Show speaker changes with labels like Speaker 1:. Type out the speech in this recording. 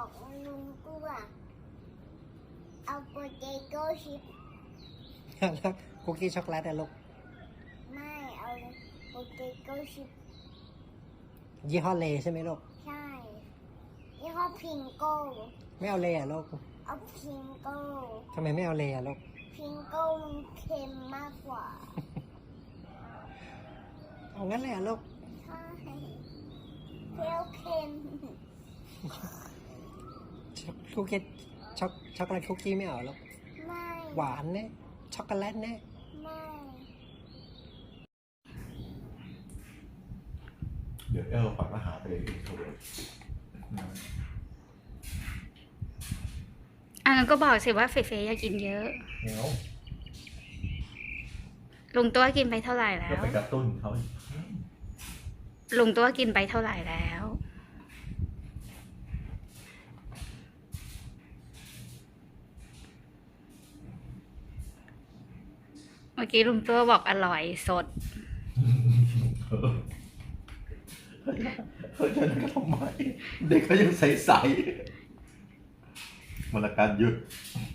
Speaker 1: บอกลุงกูว่าเอาโปเตโต้ชิพ
Speaker 2: แล้วคุกกี้ช็อกโกแลตอะลูก
Speaker 1: ไม่เอาโปเตโต้ชิพ
Speaker 2: ยี่ห้อเลใช่ไหมลูก
Speaker 1: ใช่ยี่ห้อพิงโก้
Speaker 2: ไม่เอาเลอะลูก
Speaker 1: เอาพิงโก้
Speaker 2: ทำไมไม่เอาเลอะลูก
Speaker 1: พิงโก้มันเค็มมากกว่า
Speaker 2: เอางั้นเลยอะลูก
Speaker 1: ใช่เปรี้ยวเค็ม
Speaker 2: คุกกี้ช็อกโกแลตคุกกี้ไม่เอาลูก
Speaker 1: ไม่
Speaker 2: หวานเนี่ยช็อกโกแลตเนี่ย
Speaker 1: ไม่
Speaker 3: เดี๋ยวฝันว่าหาไปเลยอินโทรเวิร์ต
Speaker 4: งั้นก็บอกสิว่าเฟยอยากกินเยอะ
Speaker 3: เนาะ
Speaker 4: ลุงตัวกินไปเท่าไหร่แล้
Speaker 3: ก็
Speaker 4: ว
Speaker 3: ไปกระตุ้นเขา
Speaker 4: ลุงตัวกินไปเท่าไหร่แล้ว เมื่อกี้ลุงตัวบอกอร่อยสด
Speaker 3: เขาจะนั่นก็ทำไม เด็กเขายังใสๆมันละการหยุด